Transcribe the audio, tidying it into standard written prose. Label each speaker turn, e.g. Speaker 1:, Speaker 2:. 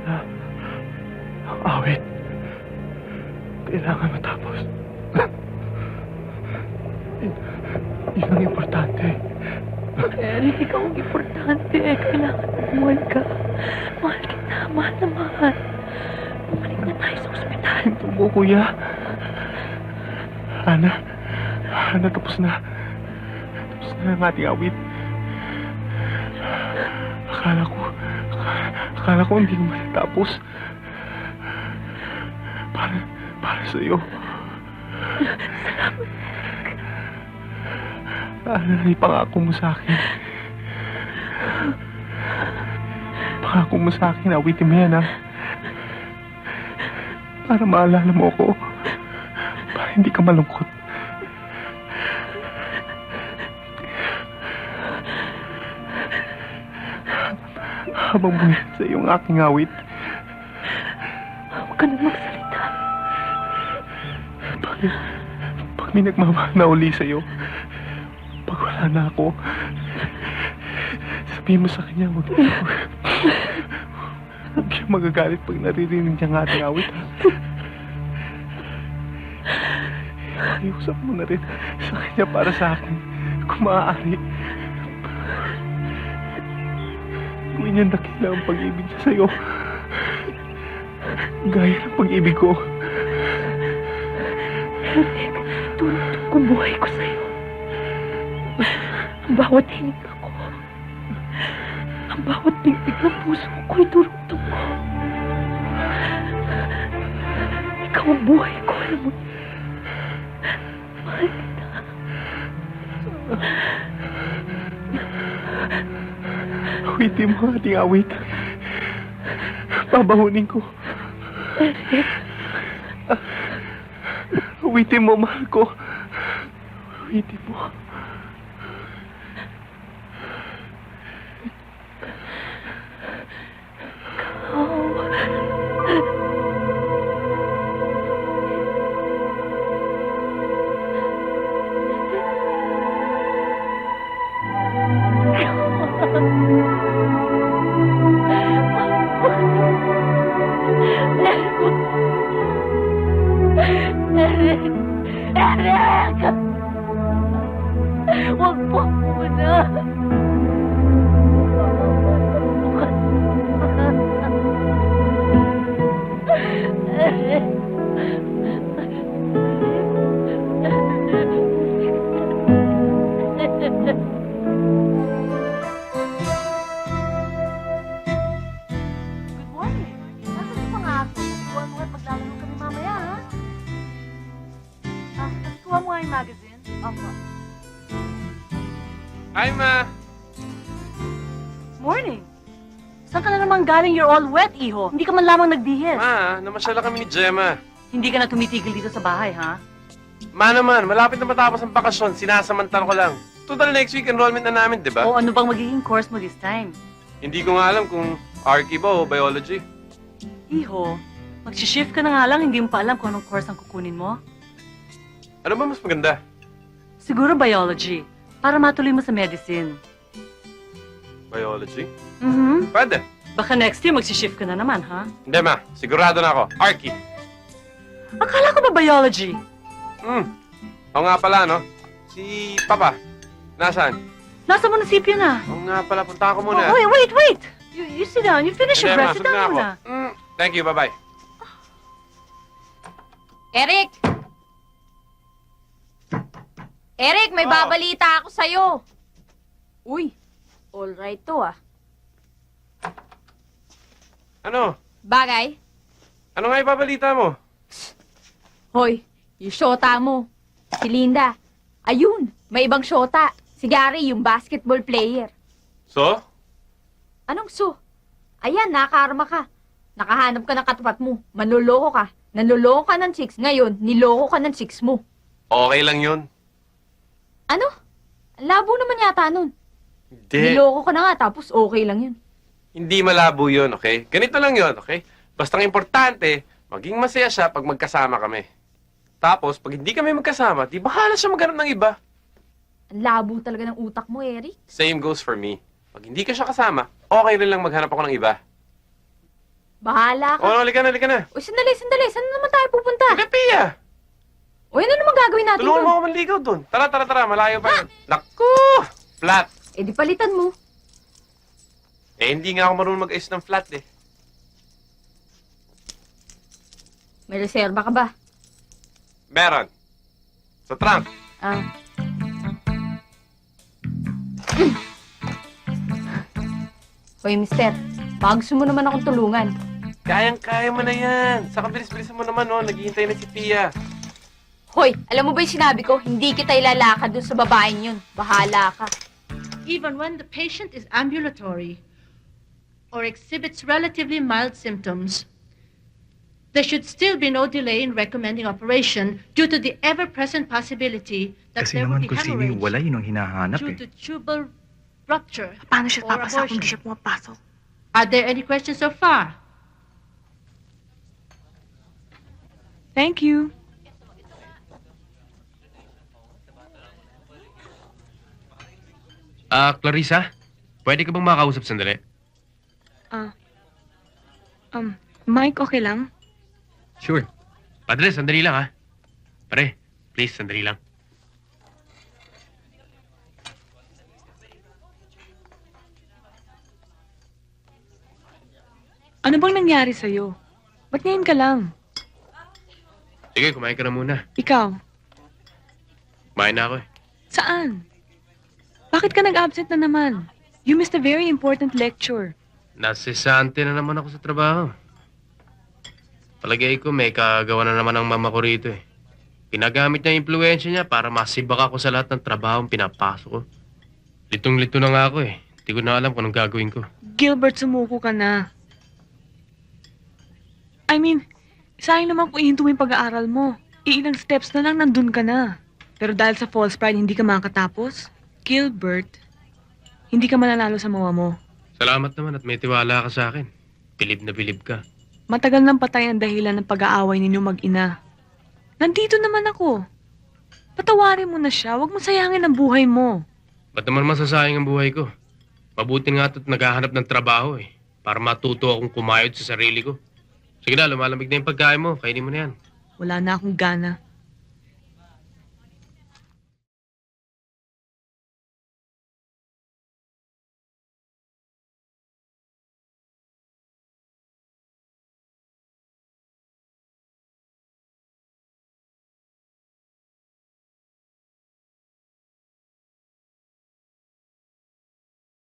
Speaker 1: Sana ang awit kailangan matapos. Yun ang importante.
Speaker 2: Eric, ikaw ang importante. Kailangan umuwi ka. Mahal kita. Mahal na mahal. Bumalik na tayo sa ospital.
Speaker 1: Ito mo, kuya. Ana, tapos na. Tapos na ang ating awit. Akala ko hindi ko matatapos. Para sa'yo.
Speaker 2: Salamat.
Speaker 1: Ana, ipangako mo sa akin. Pangako mo sa akin, awitin mo yan, ha? Para maalala mo ako. Para hindi ka malungkot. Habang buhay sa iyong aking awit.
Speaker 2: Huwag ka na magsalita.
Speaker 1: Pag may nagmamahal na uli sa'yo, pag wala na ako, sabihin mo sa kanya, huwag siya magagalit pag naririnig niya ang ating awit, ha? Iusap mo na rin sa kanya para sa akin, kung maaari. Gawin niyang dakila ang pag-ibig niya sa'yo. Gaya ng pag-ibig ko.
Speaker 2: Eric, tulad kong buhay ko sa'yo. Ang bawat hininga ko, ang bawat bigtig ng puso ko'y durugtong ko. Ikaw ang buhay ko, alam mo. Mahal kita.
Speaker 1: Awitin mo ang ating awit. Babahunin ko.
Speaker 2: Eric.
Speaker 1: Awitin mo, mahal ko. Awitin mo.
Speaker 2: Eric! Huwag po muna. Eric!
Speaker 3: Good morning. Nasaan yung mga ako? Kuha mo at maglalaro kami mamaya, ha? Kuha mo nga yung magazine. Opo.
Speaker 4: Hi, Ma!
Speaker 3: Morning. Saan ka na naman galing? You're all wet, iho. Hindi ka man lamang nagdihis.
Speaker 4: Ma, namasyala kami ni Gemma.
Speaker 3: Hindi ka na tumitigil dito sa bahay, ha?
Speaker 4: Ma naman, malapit na matapos ang bakasyon. Sinasamantala ko lang. Total next week enrollment na namin, di ba?
Speaker 3: O ano bang magiging course mo this time?
Speaker 4: Hindi ko nga alam kung Archie ba o Biology.
Speaker 3: Iho, magsishift ka na nga lang, hindi mo pa alam kung anong course ang kukunin mo.
Speaker 4: Ano ba mas maganda?
Speaker 3: Siguro biology, para matuloy mo sa medicine.
Speaker 4: Biology?
Speaker 3: Pwede. Baka next year magsishift ka na naman, ha?
Speaker 4: Hindi, Ma. Sigurado na ako. Archie.
Speaker 3: Akala ko ba biology?
Speaker 4: Oo nga pala, no? Si Papa. Nasaan?
Speaker 3: Nasa munisipyo na.
Speaker 4: Oo nga pala, punta ako muna.
Speaker 3: Oh, wait! You sit down. You finish your
Speaker 4: Hindi, Ma.
Speaker 3: breath. Sit
Speaker 4: Sug na
Speaker 3: down
Speaker 4: ako.
Speaker 3: muna.
Speaker 4: Thank you, bye-bye.
Speaker 5: Eric! Eric, may
Speaker 4: Oh.
Speaker 5: babalita ako sa'yo. Uy, all right to ah.
Speaker 4: Ano?
Speaker 5: Bagay?
Speaker 4: Ano nga ipabalita mo?
Speaker 5: Hoy, yung shota mo. Si Linda. Ayun, may ibang shota. Si Gary, yung basketball player.
Speaker 4: So?
Speaker 5: Anong so? Ayan, nakakarma ka. Nakahanap ka ng katapat mo. Manloloko ka. Nanloloko ka ng chicks. Ngayon, niloko ka ng chicks mo.
Speaker 4: Okay lang yun.
Speaker 5: Ano? Ang labo naman yata nun.
Speaker 4: Hindi.
Speaker 5: Niloko ka na nga, tapos okay lang yun.
Speaker 4: Hindi malabo yun, okay? Ganito lang yun, okay? Basta ang importante, maging masaya siya pag magkasama kami. Tapos, pag hindi kami magkasama, di bahala siya maghanap ng iba.
Speaker 5: Ang labo talaga ng utak mo, Eric.
Speaker 4: Same goes for me. Pag hindi ka siya kasama, okay rin lang maghanap ako ng iba.
Speaker 5: Bahala ka.
Speaker 4: O, halika na, halika na.
Speaker 5: Uy, sandali. Saan naman tayo pupunta?
Speaker 4: Halika, Pia.
Speaker 5: Uy, ano naman gagawin natin
Speaker 4: Tulungan mo
Speaker 5: doon?
Speaker 4: ako manligaw doon. Tara. Malayo pa yun. Naku! Flat.
Speaker 5: Eh, di palitan mo.
Speaker 4: Eh, hindi nga ako marunong mag-ayos ng flat eh.
Speaker 5: May reserba ka ba?
Speaker 4: Meron. Sa trunk.
Speaker 5: Ah. Hoy, mister. Baka gusto mo naman akong tulungan.
Speaker 4: Kayang-kaya mo na yan. Saka bilis-bilisan mo naman, oh. Naghihintay na si Pia.
Speaker 5: Hoy, alam mo ba yung sinabi ko? Hindi kita ilalakad dun sa babaeng yun. Bahala ka.
Speaker 3: Even when the patient is ambulatory or exhibits relatively mild symptoms, there should still be no delay in recommending operation due to the ever-present possibility that
Speaker 6: Kasi
Speaker 3: there will
Speaker 6: naman
Speaker 3: be
Speaker 6: kung sino yung
Speaker 3: hemorrhage
Speaker 6: wala, yun ang hinahanap
Speaker 3: due
Speaker 6: eh.
Speaker 3: to tubal rupture.
Speaker 7: Paano siya
Speaker 3: or
Speaker 7: papasok kung
Speaker 3: abortion.
Speaker 7: di siya pumapasok?
Speaker 3: Are there any questions so far?
Speaker 7: Thank you.
Speaker 8: Clarissa? Pwede ka bang makausap sandali?
Speaker 7: Mike, okay lang?
Speaker 8: Sure. Padre, sandali lang ha. Pare, please, sandali lang.
Speaker 7: Ano bang nangyari sa'yo? Ba't ngayon ka lang?
Speaker 8: Sige, kumain ka na muna.
Speaker 7: Ikaw,
Speaker 8: Kumain na ako eh.
Speaker 7: saan? Bakit ka nag-absent na naman? You missed a very important lecture.
Speaker 8: Nasisante na naman ako sa trabaho. Palagay ko may kagawa na naman ang mama ko rito eh. Pinagamit niya yung impluensya niya para masibak ako sa lahat ng trabaho pinapasok ko. Litong-lito na nga ako eh. Hindi ko na alam kung anong gagawin ko.
Speaker 7: Gilbert, sumuko ka na. I mean, sayang naman kung ihinto mo yung pag-aaral mo. Iilang steps na lang nandun ka na. Pero dahil sa false pride, hindi ka makakatapos? Gilbert, hindi ka mananalo sa mawa mo.
Speaker 8: Salamat naman at may tiwala ka sa akin. Bilib na bilib ka.
Speaker 7: Matagal nang patay ang dahilan ng pag-aaway ninyo mag-ina. Nandito naman ako. Patawarin mo na siya. Huwag mo sayangin ang buhay mo.
Speaker 8: Ba't naman masasayang ang buhay ko? Mabuti nga ito't naghahanap ng trabaho eh. Para matuto akong kumayod sa sarili ko. Sige na, lumalamig na yung pagkain mo. Kainin mo na yan.
Speaker 7: Wala na akong gana.